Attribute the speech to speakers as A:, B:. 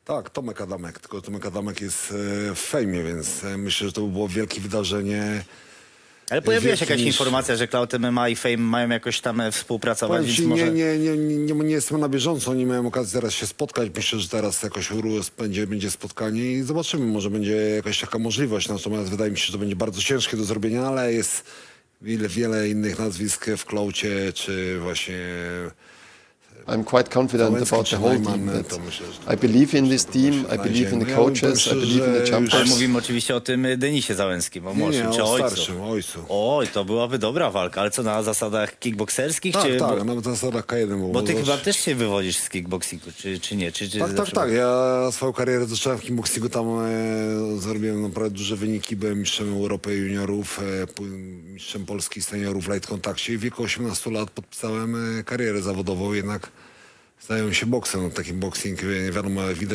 A: Tak, Tomek Adamek, tylko Tomek Adamek jest w fejmie, więc myślę, że to by było wielkie wydarzenie.
B: Ale pojawiła się
A: Wielki
B: jakaś
A: niż-
B: informacja, że Cloud MMA i Fame mają jakoś tam współpracować,
A: Powiem
B: więc
A: ci,
B: może...
A: nie jestem na bieżąco, nie miałem okazji teraz się spotkać. Myślę, że teraz jakoś będzie spotkanie i zobaczymy, może będzie jakaś taka możliwość. Natomiast wydaje mi się, że to będzie bardzo ciężkie do zrobienia, ale jest wiele innych nazwisk w Klaucie, czy właśnie...
C: I'm quite confident
A: Załęcki
C: about the
A: czy
C: whole
A: Neumann,
C: team.
A: to myślę, że
C: I believe in this
A: to
C: team,
A: się
C: I believe in the
A: znajdzie.
C: coaches,
A: Ja
C: I believe in the
A: myślę, że
C: jumpers.
B: Ale mówimy oczywiście o tym Denisie Załęskim, o młodszym czy
A: o
B: ojcu.
A: starszym, ojcu.
B: Oj, to byłaby dobra walka, ale co, na zasadach kickbokserskich?
A: Tak,
B: czy...
A: tak, nawet na zasadach K1.
B: Bo ty chyba też się wywodzisz z kickboxingu, czy nie? Czy
A: Tak. Ja swoją karierę zacząłem w kickboxingu, tam zrobiłem naprawdę duże wyniki, byłem mistrzem Europy juniorów, mistrzem Polski seniorów w light kontakcie i w wieku 18 lat podpisałem karierę zawodową, jednak zająłem się boksem, no, taki boxing, nie wiadomo, widać